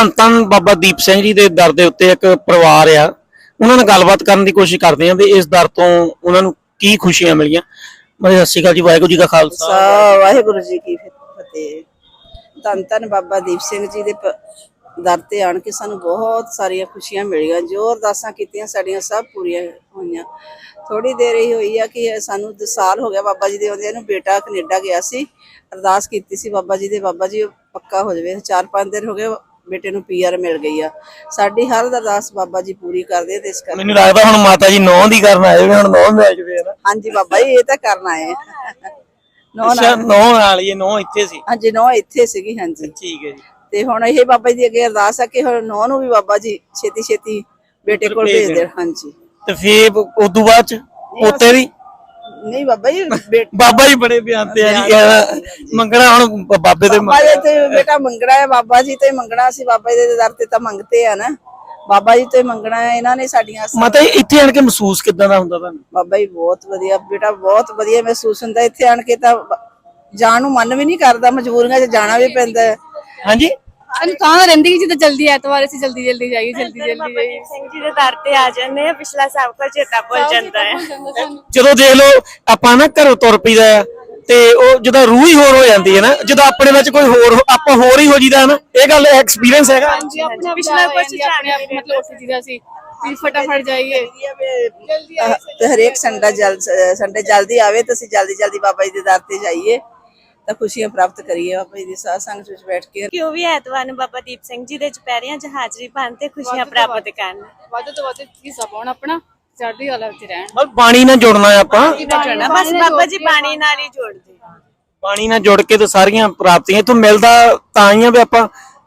ਧੰਨ ਧੰਨ ਬਾਬਾ ਦੀਪ ਸਿੰਘ ਜੀ ਦੇ ਦਰ ਦੇ ਉੱਤੇ ਇੱਕ ਪਰਿਵਾਰ ਆ, ਉਹਨਾਂ ਨਾਲ ਗੱਲਬਾਤ ਕਰਨ ਦੀ ਕੋਸ਼ਿਸ਼ ਕਰਦੇ ਆ ਵੀ ਇਸ ਦਰ ਤੋਂ ਉਹਨਾਂ ਨੂੰ ਕੀ ਖੁਸ਼ੀਆਂ ਮਿਲੀਆਂ। ਸਤਿ ਸ਼੍ਰੀ ਅਕਾਲ ਜੀ, ਵਾਹਿਗੁਰੂ ਜੀ ਕਾ ਖਾਲਸਾ ਵਾਹਿਗੁਰੂ ਜੀ ਕੀ ਫਤਿਹ। ਧੰਨ ਧੰਨ ਬਾਬਾ ਦੀਪ ਸਿੰਘ ਜੀ ਦੇ ਦਰ ਤੇ ਆਣ ਕੇ ਸਾਨੂੰ ਬਹੁਤ ਸਾਰੀਆਂ ਖੁਸ਼ੀਆਂ ਮਿਲੀਆਂ। ਜੋ ਅਰਦਾਸਾਂ ਕੀਤੀਆਂ ਸਾਡੀਆਂ ਸਭ ਪੂਰੀਆਂ ਹੋਈਆਂ। ਥੋੜੀ ਦੇਰ ਹੀ ਹੋਈ ਆ ਕਿ ਸਾਨੂੰ 2 ਸਾਲ ਹੋ ਗਿਆ ਬਾਬਾ ਜੀ ਦੇ ਆਉਂਦਿਆਂ ਨੂੰ। ਬੇਟਾ ਕੈਨੇਡਾ ਗਿਆ ਸੀ, ਅਰਦਾਸ ਕੀਤੀ ਸੀ ਬਾਬਾ ਜੀ ਦੇ, ਬਾਬਾ ਜੀ ਪੱਕਾ ਹੋ ਜਾਵੇ। 4-5 ਦਿਨ ਹੋ ਗਏ ਬੇਟੇ ਨੂੰ PR ਮਿਲ ਗਈ ਆ। ਸਾਡੀ ਹਰ ਅਰਦਾਸ ਬਾਬਾ ਜੀ ਪੂਰੀ ਕਰਦੇ ਤੇ ਇਸ ਕਰਕੇ ਮੈਨੂੰ ਲੱਗਦਾ ਹੁਣ ਮਾਤਾ ਜੀ ਨੌਂ ਦੀ ਕਰਨ ਆਏ ਹੋਣੇ, ਹੁਣ ਨੌਂ ਮਿਲ ਜਵੇ ਨਾ। ਹਾਂਜੀ ਬਾਬਾ ਜੀ ਇਹ ਤਾਂ ਕਰਨਾ ਹੈ। ਨੌਂ ਨਾਲ ਹੀ ਨੌਂ ਇੱਥੇ ਸੀ। ਹਾਂਜੀ ਨੌਂ ਇੱਥੇ ਸੀਗੀ। ਹਾਂਜੀ ਠੀਕ ਹੈ ਜੀ। ਤੇ ਹੁਣ ਇਹ ਬਾਬਾ ਜੀ ਅੱਗੇ ਅਰਦਾਸ ਆ ਕਿ ਹੁਣ ਨੌਂ ਨੂੰ ਵੀ ਬਾਬਾ ਜੀ ਛੇਤੀ ਛੇਤੀ ਬੇਟੇ ਕੋਲ ਭੇਜ ਦੇਣ। ਹਾਂਜੀ ਤੇ ਫੇਰ ਉਦੋਂ ਬਾਅਦ ਚ ਪੋਤੇ ਦੀ ਨਹੀਂ ਬਾਬਾ ਜੀ ਬਾਬਾ ਜੀ ਬੜੇ ਬਿਆਨ ਤੇ ਆ ਜੀ, ਮੰਗਣਾ ਹੁਣ ਬਾਬੇ ਦੇ ਬਾਬਾ ਜੀ ਤੇ ਬੇਟਾ ਮੰਗਣਾ ਹੈ। ਬਾਬਾ ਜੀ ਤੇ ਮੰਗਣਾ ਸੀ, ਬਾਬਾ ਜੀ ਦੇ ਦਰ ਤੇ ਤਾਂ ਮੰਗਤੇ ਆ ਨਾ, ਬਾਬਾ ਜੀ ਤੇ ਮੰਗਣਾ ਹੈ। ਇਹਨਾਂ ਨੇ ਸਾਡੀਆਂ ਮਾਤਾ ਇੱਥੇ ਆਣ ਕੇ ਮਹਿਸੂਸ ਕਿੱਦਾਂ ਦਾ ਹੁੰਦਾ ਤੁਹਾਨੂੰ? ਬਾਬਾ ਜੀ ਬਹੁਤ ਵਧੀਆ ਬੇਟਾ, ਬਹੁਤ ਵਧੀਆ ਮਹਿਸੂਸ ਹੁੰਦਾ ਇੱਥੇ ਆਣ ਕੇ। ਤਾਂ ਜਾਣ ਨੂੰ ਮਨ ਵੀ ਨਹੀਂ ਕਰਦਾ, ਮਜਬੂਰੀਆਂ 'ਚ ਜਾਣਾ ਵੀ ਪੈਂਦਾ ਹੈ। ਹਾਂਜੀ ਸਾਨੂੰ ਤਾਂ ਰਹਿੰਦੀ ਕਿ ਜਿੱਦਾਂ ਜਲਦੀ ਐਤਵਾਰ ਅਸੀਂ ਜਲਦੀ ਜਾਈਏ, ਜਲਦੀ ਜਾਈਏ। ਸਿੰਘ ਜੀ ਦੇ ਦਰ ਤੇ ਆ ਜਾਂਦੇ ਆ, ਪਿਛਲਾ ਸਭ ਕੁਝ ਚੇਤਾ ਭੁੱਲ ਜਾਂਦਾ ਹੈ। ਜਦੋਂ ਦੇਖ ਲਓ ਆਪਾਂ ਨਾ ਘਰੋਂ ਤੁਰ ਪਈਦਾ ਆ ਤੇ ਉਹ ਜਦੋਂ ਰੂਹ ਹੀ ਹੋਰ ਹੋ ਜਾਂਦੀ ਹੈ ਨਾ, ਜਦੋਂ ਆਪਣੇ ਵਿੱਚ ਕੋਈ ਹੋਰ ਆਪਾਂ ਹੋਰ ਹੀ ਹੋ ਜੀਦਾ ਨਾ। ਇਹ ਗੱਲ ਐਕਸਪੀਰੀਅੰਸ ਹੈਗਾ। ਹਾਂਜੀ ਆਪਣਾ ਪਿਛਲਾ ਕੁਝ ਆਪਣੇ ਆਪ ਮਤਲਬ ਉੱਠ ਜੀਦਾ ਸੀ ਵੀ ਫਟਾਫਟ ਜਾਈਏ ਜਲਦੀ ਆਏ। ਤੇ ਹਰੇਕ ਸੰਡੇ ਜਲਦੀ ਆਵੇ ਤੇ ਅਸੀਂ ਜਲਦੀ ਬਾਬਾ ਜੀ ਦੇ ਦਰ ਤੇ ਜਾਈਏ ਤਾਂ ਖੁਸ਼ੀਆਂ ਪ੍ਰਾਪਤ ਕਰੀਏ। ਬਾਬਾ ਜੀ ਦੀ ਸਾਧ ਸੰਗਤ ਵਿੱਚ ਬੈਠ ਕੇ ਕਿਉਂ ਵੀ ਐਤਵਾਰ ਨੂੰ ਬਾਬਾ ਦੀਪ ਸਿੰਘ ਜੀ ਦੇ ਚੁਪਹਿਰਿਆਂ 'ਚ ਹਾਜ਼ਰੀ ਪਾਉਣ ਤੇ ਖੁਸ਼ੀਆਂ ਪ੍ਰਾਪਤ ਕਰਨ। ਵੱਧ ਤੋਂ ਵੱਧ ਹਿੱਸਾ ਪਾਉਣ ਆਪਣਾ, ਚੜ੍ਹਦੀ ਕਲਾ ਵਿੱਚ ਰਹਿਣ। ਬਸ ਬਾਣੀ ਨਾਲ ਜੁੜਨਾ ਆਪਾਂ, ਬਸ ਬਾਬਾ ਜੀ ਬਾਣੀ ਨਾਲ ਹੀ ਜੋੜਦੇ। ਬਾਣੀ ਨਾਲ ਜੁੜ ਕੇ ਤਾਂ ਸਾਰੀਆਂ ਪ੍ਰਾਪਤੀਆਂ ਇੱਥੋਂ ਮਿਲਦਾ ਤਾਂ ਹੀ ਆ ਵੀ ਆਪਾਂ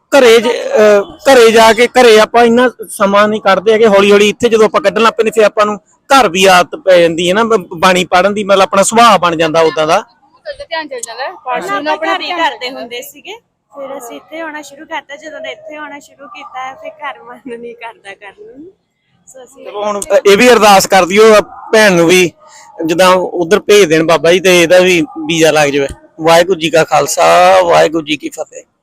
ਘਰੇ ਜਾ ਕੇ ਘਰੇ ਆਪਾਂ ਇੰਨਾ ਸਮਾਂ ਨਹੀਂ ਕੱਢਦੇ ਹੈਗੇ। ਹੌਲੀ ਹੌਲੀ ਇੱਥੇ ਜਦੋਂ ਆਪਾਂ ਕੱਢਣ ਲੱਗ ਪੈਂਦੇ ਫਿਰ ਆਪਾਂ ਨੂੰ ਘਰ ਵੀ ਆਦਤ ਪੈ ਜਾਂਦੀ ਹੈ ਨਾ ਬਾਣੀ ਪੜ੍ਹਨ ਦੀ। ਮਤਲਬ ਆਪਣਾ ਸੁਭਾਅ ਬਣ ਜਾਂਦਾ ਉਦਾਂ ਦਾ, ਧਿਆਨ ਚਲ ਜਾਂਦਾ ਪਹਿਲਾਂ ਆਪਣਾ ਘਰ ਹੀ ਕਰਦੇ ਹੁੰਦੇ ਸੀਗੇ, ਫਿਰ ਅਸੀਂ ਇੱਥੇ ਆਉਣਾ ਸ਼ੁਰੂ ਕਰਤਾ। ਜਦੋਂ ਦਾ ਇੱਥੇ ਆਉਣਾ ਸ਼ੁਰੂ ਕੀਤਾ ਫਿਰ ਘਰ ਮਨ ਨਹੀਂ ਕਰਦਾ ਕਰਨ ਨੂੰ। ਸੋ ਅਸੀਂ ਹੁਣ ਇਹ ਵੀ ਅਰਦਾਸ ਕਰ ਦਿਓ ਭੈਣ ਨੂੰ ਵੀ ਜਿੱਦਾਂ ਉਧਰ ਭੇਜ ਦੇਣ ਬਾਬਾ ਜੀ ਤੇ ਇਹਦਾ ਵੀ ਵੀਜ਼ਾ ਲੱਗ ਜਾਵੇ। ਵਾਹਿਗੁਰੂ ਜੀ ਕਾ ਖਾਲਸਾ, ਵਾਹਿਗੁਰੂ ਜੀ ਕੀ ਫਤਿਹ।